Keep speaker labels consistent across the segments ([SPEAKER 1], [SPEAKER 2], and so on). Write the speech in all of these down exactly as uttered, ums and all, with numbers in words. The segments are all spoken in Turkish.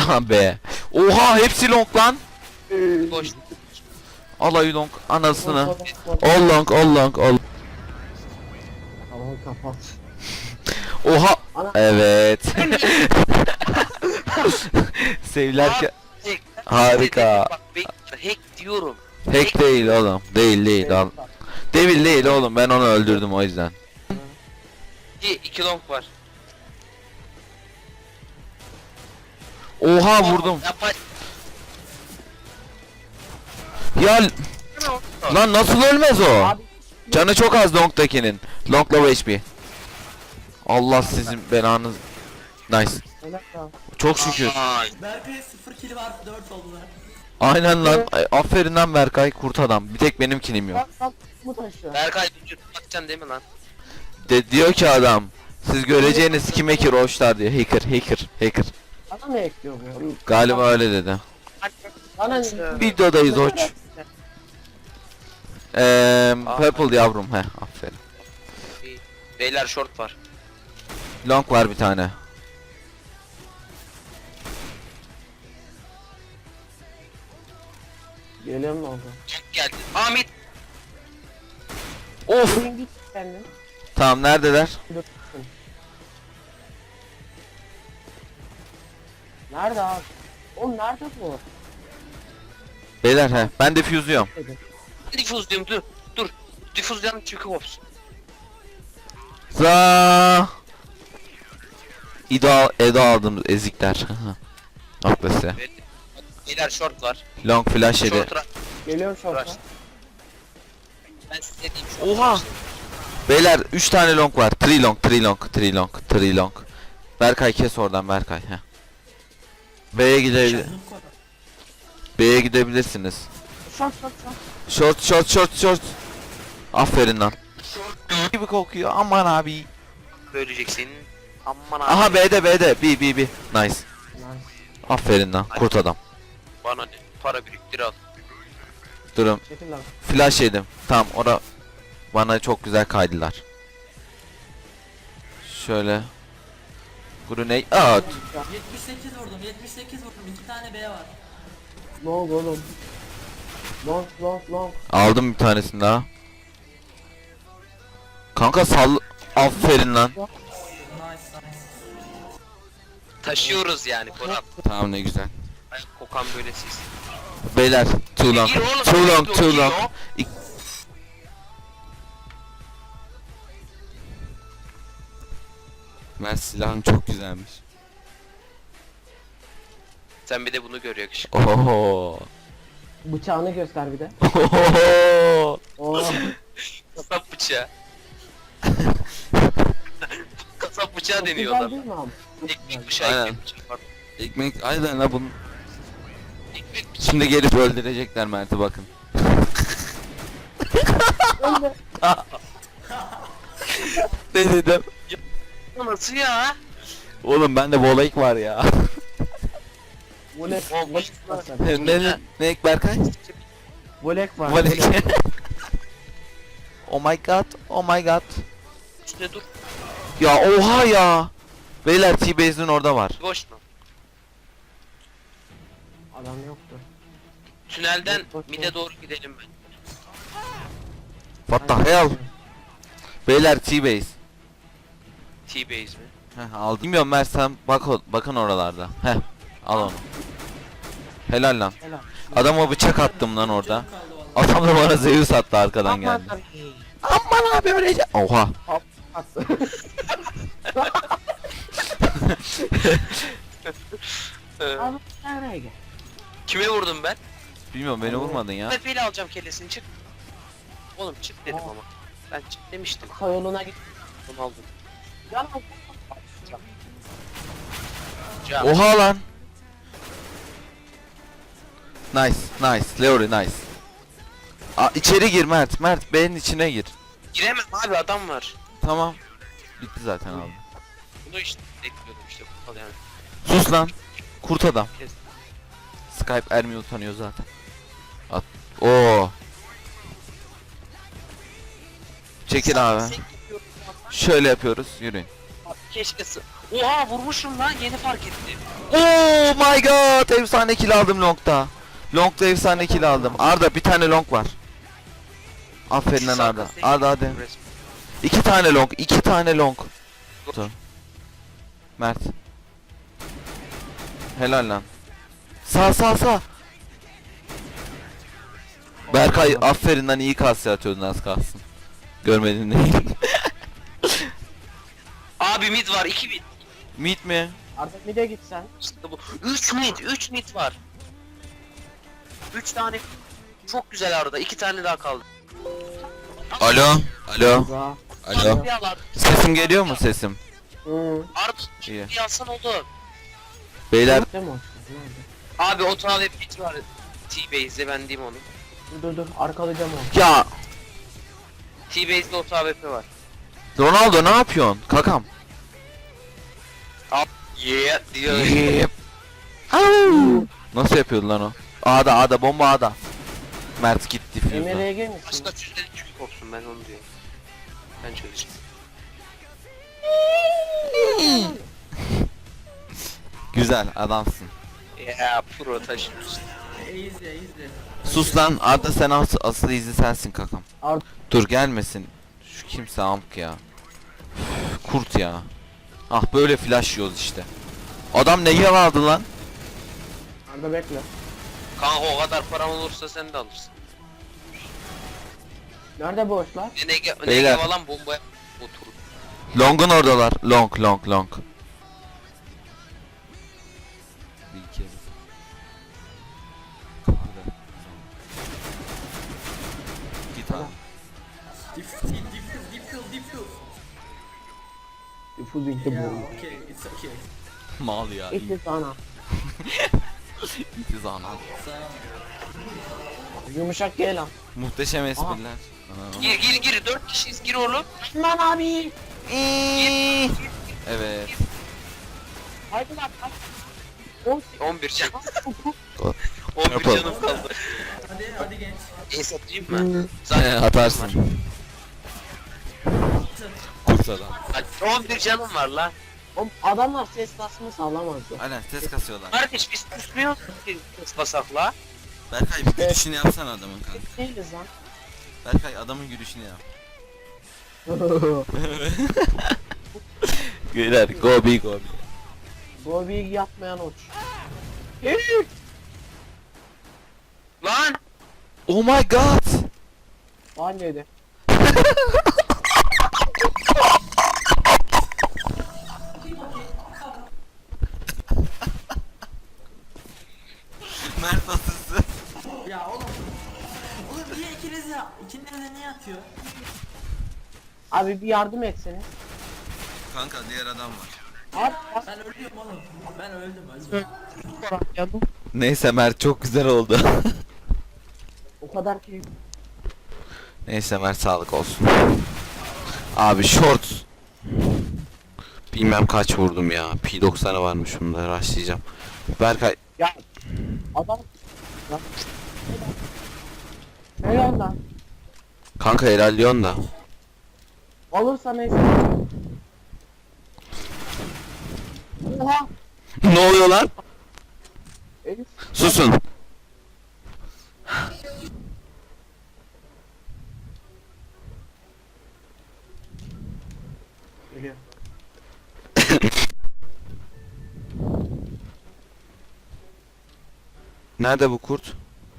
[SPEAKER 1] Aha be. Oha hepsi long lan.
[SPEAKER 2] Boş.
[SPEAKER 1] Alay long anasını. All long all long all.
[SPEAKER 3] Tamam kapat.
[SPEAKER 1] Oha.
[SPEAKER 3] Ana.
[SPEAKER 1] Evet. Sevlerken
[SPEAKER 2] Hack.
[SPEAKER 1] harika.
[SPEAKER 2] Bak bekle, hack diyorum.
[SPEAKER 1] Hack değil oğlum. Değil değil al. Devil değil oğlum, ben onu öldürdüm o yüzden.
[SPEAKER 2] İki, iki long var.
[SPEAKER 1] Oha vurdum.
[SPEAKER 2] Yapay.
[SPEAKER 1] Ya lan nasıl ölmez o?
[SPEAKER 3] Abi
[SPEAKER 1] Canı çok az Long'dakinin. Long low H P. Allah sizin belanız. Nice.
[SPEAKER 3] öyle ya.
[SPEAKER 1] Çok şükür.
[SPEAKER 2] Ay.
[SPEAKER 4] Berkay'a sıfır kill var, dört oldular.
[SPEAKER 1] Aynen lan. Ay, aferin lan Berkay, kurt adam. Bir tek benim kilim yok.
[SPEAKER 3] Bak bak bu taşı.
[SPEAKER 2] Berkay vücut bakacaksın değil mi lan?
[SPEAKER 1] De diyor ki adam. Siz göreceğiniz kime ki roşlar diyor. Hacker hacker hacker.
[SPEAKER 3] Bana ne ekliyor bu?
[SPEAKER 1] Galiba öyle dedi.
[SPEAKER 3] Bana ne?
[SPEAKER 1] Videodayız oç. Eee purple yavrum he, aferin.
[SPEAKER 2] Beyler short var.
[SPEAKER 1] Long var bir tane.
[SPEAKER 3] Geliyorum ne oldu?
[SPEAKER 2] Çok geldi. Ahmet.
[SPEAKER 1] Of.
[SPEAKER 3] Bugün git kendin.
[SPEAKER 1] Tamam neredeler?
[SPEAKER 3] Dur. Nerede abi? Oğlum nerede bu?
[SPEAKER 1] Beyler he. Ben defuse'luyorum.
[SPEAKER 2] Diffuse diyorum dur. Dur. Diffuse yanı çünkü hops.
[SPEAKER 1] Za. İda Eda aldım ezikler. Aklası.
[SPEAKER 2] Beyler short var.
[SPEAKER 1] Long flash yedi.
[SPEAKER 2] Short ra-
[SPEAKER 3] Geliyorum şorta.
[SPEAKER 2] Rush. Ben size diyeyim short.
[SPEAKER 1] Oha. Beyler üç tane long var. Three long, three long, three long, three long. Berkay kes oradan Berkay. Heh. B'ye gidebilir.
[SPEAKER 4] Canım koy.
[SPEAKER 1] B'ye gidebilirsiniz.
[SPEAKER 3] Şort şort şort.
[SPEAKER 1] Short short short short. Aferin lan. Gibi kokuyor aman abi.
[SPEAKER 2] Bölecek senin. Aman abi.
[SPEAKER 1] Aha B'de B'de B B B. Nice.
[SPEAKER 3] Nice.
[SPEAKER 1] Aferin lan kurt adam.
[SPEAKER 2] Bana ne? Para biriktir al.
[SPEAKER 1] Durun.
[SPEAKER 3] Çekil lan.
[SPEAKER 1] Flash yedim. Tamam ora bana çok güzel kaydılar. Şöyle. Grenade at.
[SPEAKER 4] yetmiş sekiz vurdum, yetmiş sekiz vurdum. iki tane B var.
[SPEAKER 3] Ne oldu oğlum? Long long long.
[SPEAKER 1] Aldım bir tanesini daha. Kanka sall. Aferin lan.
[SPEAKER 4] Nice, nice.
[SPEAKER 2] Taşıyoruz yani Koran.
[SPEAKER 1] Tamam ne güzel.
[SPEAKER 2] Ayak kokan böyle siz.
[SPEAKER 1] Beyler too long.
[SPEAKER 2] Gir oğlum,
[SPEAKER 1] Too long
[SPEAKER 2] gir
[SPEAKER 1] too
[SPEAKER 2] oğlum.
[SPEAKER 1] long. İk- Ben silahın çok güzelmiş.
[SPEAKER 2] Sen bir de bunu gör yakışık.
[SPEAKER 1] Oho.
[SPEAKER 3] Bıçağını göster bir de.
[SPEAKER 1] Oho.
[SPEAKER 3] Oo.
[SPEAKER 2] Kasap bıçağı. Kasap bıçağı
[SPEAKER 3] Çok
[SPEAKER 2] deniyor
[SPEAKER 3] güzel
[SPEAKER 2] adam.
[SPEAKER 3] değil mi abi?
[SPEAKER 2] Ekmek bıçağı,
[SPEAKER 1] Aynen.
[SPEAKER 2] ekmek bıçağı. Pardon.
[SPEAKER 1] Ekmek aynen la bunun.
[SPEAKER 2] Ekmek bıçağı.
[SPEAKER 1] Şimdi gelip öldürecekler Mert'i bakın.
[SPEAKER 3] Öyle.
[SPEAKER 1] Ne dedim?
[SPEAKER 2] Nasıl ya?
[SPEAKER 1] Oğlum bende volayık var ya.
[SPEAKER 3] Volek.
[SPEAKER 2] O
[SPEAKER 3] Volek var.
[SPEAKER 1] ne ne ne ek Berkay?
[SPEAKER 3] Volek var.
[SPEAKER 1] Volayık.
[SPEAKER 3] volek.
[SPEAKER 1] Oh my god, oh my god.
[SPEAKER 2] Üstüne dur.
[SPEAKER 1] Ya oha ya. Beyler T-Base'in orada var.
[SPEAKER 2] Boş mu?
[SPEAKER 3] Adam yoktu.
[SPEAKER 2] Tünelden
[SPEAKER 3] Bak, bak,
[SPEAKER 2] mide
[SPEAKER 3] bak.
[SPEAKER 2] doğru gidelim ben.
[SPEAKER 1] What the hell? Beyler T-Base.
[SPEAKER 2] T-base mi?
[SPEAKER 1] Heh aldım. Bilmiyorum Mert sen bak o- bakın oralarda. Heh al onu. Helal lan.
[SPEAKER 3] Helal.
[SPEAKER 1] Adama bıçak attım lan orada.
[SPEAKER 4] Canım kaldı vallahi.
[SPEAKER 1] Adam da bana Zeus attı arkadan
[SPEAKER 3] Aman
[SPEAKER 1] geldi.
[SPEAKER 3] tabii.
[SPEAKER 1] Aman abi öleceğim. Oha.
[SPEAKER 3] Attı.
[SPEAKER 2] Ee,
[SPEAKER 3] Abi nereye gel?
[SPEAKER 2] Kime vurdum ben?
[SPEAKER 1] Bilmiyorum beni vurmadın ya.
[SPEAKER 2] Tepeli alacağım kellesini çık. Oğlum çık dedim
[SPEAKER 3] Aa.
[SPEAKER 2] ama. Ben çık demiştim.
[SPEAKER 3] Kayoluna git.
[SPEAKER 2] Onu aldım.
[SPEAKER 3] Can al.
[SPEAKER 2] Can.
[SPEAKER 1] Oha lan. Nice, nice, Leori nice. Aa, içeri gir Mert, Mert B'nin içine gir.
[SPEAKER 2] Giremem abi adam var.
[SPEAKER 1] Tamam. Bitti zaten abi.
[SPEAKER 2] Bunu işte bekliyordum işte. Al yani.
[SPEAKER 1] Sus lan. Kurt adam.
[SPEAKER 2] Kes.
[SPEAKER 1] Skype Ermi utanıyor zaten. At. Oo. Çekil abi.
[SPEAKER 2] Sen gidiyorsun ama
[SPEAKER 1] Şöyle yapıyoruz. Yürüyün.
[SPEAKER 2] Keşke s- Oha vurmuşum lan yeni fark ettim.
[SPEAKER 1] Oh my god, efsane kill aldım long'da. Long'da efsane kill aldım. Arda bir tane long var. Aferin lan Arda. Arda hadi. İki tane long, iki tane long. Dur. Mert. Helal lan. Sağ sağ sağ. Berkay aferin lan, iyi kasya atıyordun az kalsın. Görmedin değil.
[SPEAKER 2] Abi mid var iki mid.
[SPEAKER 1] Mid mi?
[SPEAKER 3] Artık bir de gitsen.
[SPEAKER 2] İşte bu. üç mid üç mid var. üç tane çok güzel arada. iki tane daha kaldı.
[SPEAKER 1] Alo. Alo.
[SPEAKER 3] Za.
[SPEAKER 1] Alo.
[SPEAKER 2] Bir al abi.
[SPEAKER 1] Sesim geliyor mu sesim?
[SPEAKER 3] Hı.
[SPEAKER 2] Arda
[SPEAKER 1] İyi.
[SPEAKER 2] bir alsan oldu.
[SPEAKER 1] Beyler
[SPEAKER 3] Değil mi o? Nerede?
[SPEAKER 2] Abi o tane mid var. T-Base'de ben diyeyim onu.
[SPEAKER 3] Dur dur dur arkalayacağım onu.
[SPEAKER 1] ya
[SPEAKER 2] T-Base'de o A W P var.
[SPEAKER 1] Ronaldo ne yapıyorsun? Kakam.
[SPEAKER 2] Yeah diyor.
[SPEAKER 1] Yep. Au. Nasıl yapıyordu lan o? A'da A'da bomba A'da. Mert gitti
[SPEAKER 3] Emre
[SPEAKER 1] füze.
[SPEAKER 3] R G misin?
[SPEAKER 2] Başka çözleri çünkü korksun ben onu diyorum. Ben çözeceğim.
[SPEAKER 1] Güzel adamsın.
[SPEAKER 2] Ya pro taşıyorsun.
[SPEAKER 4] Easy easy.
[SPEAKER 1] Sus lan Arda, sen asıl, asıl izi sensin kakam.
[SPEAKER 3] Art
[SPEAKER 1] Dur gelmesin. Şu kimse amk ya. Üf, kurt ya. Ah böyle flash yiyoruz işte. Adam neye aldı lan?
[SPEAKER 3] Arda bekle.
[SPEAKER 2] Kanka o kadar param olursa sen de alırsın.
[SPEAKER 3] Nerede boşlar?
[SPEAKER 2] Ne ne ne
[SPEAKER 1] Beyler.
[SPEAKER 2] falan bombaya otur.
[SPEAKER 1] Long'un oradalar. Long long long. Bir kez. Git abi.
[SPEAKER 4] Diffuse diffuse diffuse diffuse.
[SPEAKER 3] Diffusing the
[SPEAKER 4] Yeah
[SPEAKER 3] bomb.
[SPEAKER 4] okay it's okay.
[SPEAKER 1] Mal ya.
[SPEAKER 3] İşte sana.
[SPEAKER 1] İtiz ana.
[SPEAKER 4] Sağ.
[SPEAKER 3] Yumuşak gel lan.
[SPEAKER 1] Muhteşem espriler.
[SPEAKER 2] Gir gir gir dört kişiyiz gir oğlum.
[SPEAKER 3] Lan abi.
[SPEAKER 1] Evet.
[SPEAKER 3] Haydi lan. haydi. On-
[SPEAKER 2] on bir can.
[SPEAKER 3] on-
[SPEAKER 2] on bir
[SPEAKER 1] Yapalım.
[SPEAKER 2] canım kaldı.
[SPEAKER 4] Hadi hadi genç.
[SPEAKER 2] Ace atayım
[SPEAKER 3] Hı.
[SPEAKER 2] mı? Zaten
[SPEAKER 1] Atarsın. Kurt adam.
[SPEAKER 2] on bir canım var lan.
[SPEAKER 3] Oğlum adamlar ses kasma sağlamazdı.
[SPEAKER 1] Aynen ses kasıyorlar.
[SPEAKER 2] Kardeş biz kusmuyoruz ki kız basakla.
[SPEAKER 1] Berkay bir gülüşünü yapsana adamın kanka.
[SPEAKER 3] Değiliz lan.
[SPEAKER 1] Berkay adamın gülüşünü yap. Güler go big go big.
[SPEAKER 3] Bobby'yi yapmayan uç.
[SPEAKER 2] Lan!
[SPEAKER 1] Oh my god.
[SPEAKER 3] Halledi.
[SPEAKER 1] Mert asısı.
[SPEAKER 4] Ya oğlum. Oğlum niye ikiniz ya? İkiniz de niye atıyor?
[SPEAKER 3] Abi bir yardım etseniz.
[SPEAKER 1] Kanka diğer adam var.
[SPEAKER 3] Abi bak
[SPEAKER 4] Ben ölüyorum oğlum. Ben öldüm öldüm.
[SPEAKER 3] yandım.
[SPEAKER 1] Neyse Mert çok güzel oldu.
[SPEAKER 3] O kadar ki
[SPEAKER 1] Neyse Mert sağlık olsun. Abi short. Bilmem kaç vurdum ya. P doksanı varmış bunda, rushlayacağım. Berkay
[SPEAKER 3] ya adam lan. Helal lan.
[SPEAKER 1] kanka ilerliyorsun da.
[SPEAKER 3] Olursa neyse. Oha.
[SPEAKER 1] Ne oluyor lan?
[SPEAKER 3] Elif.
[SPEAKER 1] Susun.
[SPEAKER 3] Geliyor.
[SPEAKER 1] Nerede bu kurt?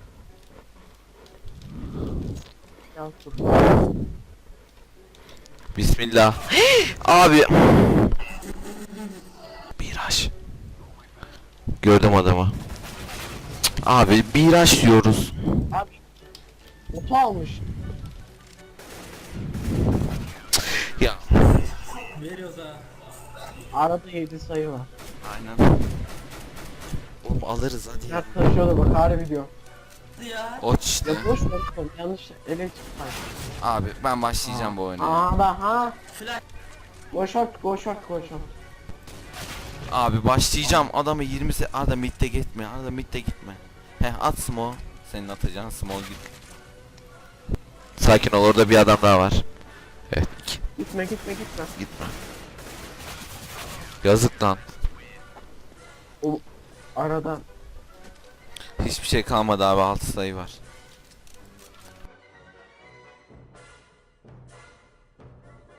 [SPEAKER 3] Ya dur.
[SPEAKER 1] Bismillah. Abi. Biraş. Gördüm adamı. Abi biraş diyoruz.
[SPEAKER 3] Abi. Oto almış.
[SPEAKER 1] Ya.
[SPEAKER 4] Veriyoruz ha.
[SPEAKER 3] Arada yedi sayı var.
[SPEAKER 1] Aynen. Oğlum alırız hadi ya.
[SPEAKER 3] Mert taşıyordu bak harbi diyor.
[SPEAKER 4] Hadi ya.
[SPEAKER 1] O işte.
[SPEAKER 3] Ya boş ver oğlum yanlış ele çıktı.
[SPEAKER 1] Abi ben başlayacağım bu oyuna.
[SPEAKER 3] Aa da ha.
[SPEAKER 4] Flash.
[SPEAKER 3] Go short go short go short.
[SPEAKER 1] Abi başlayacağım. Adamı yirmi se... Arda midde gitme. Arda midde gitme. Heh at smoke. Senin atacağın smoke git. Sakin ol, orada bir adam daha var. Evet.
[SPEAKER 3] Gitme gitme gitme.
[SPEAKER 1] Gitme. Yazık lan.
[SPEAKER 3] Arada
[SPEAKER 1] Hiçbir şey kalmadı abi, altı sayı var.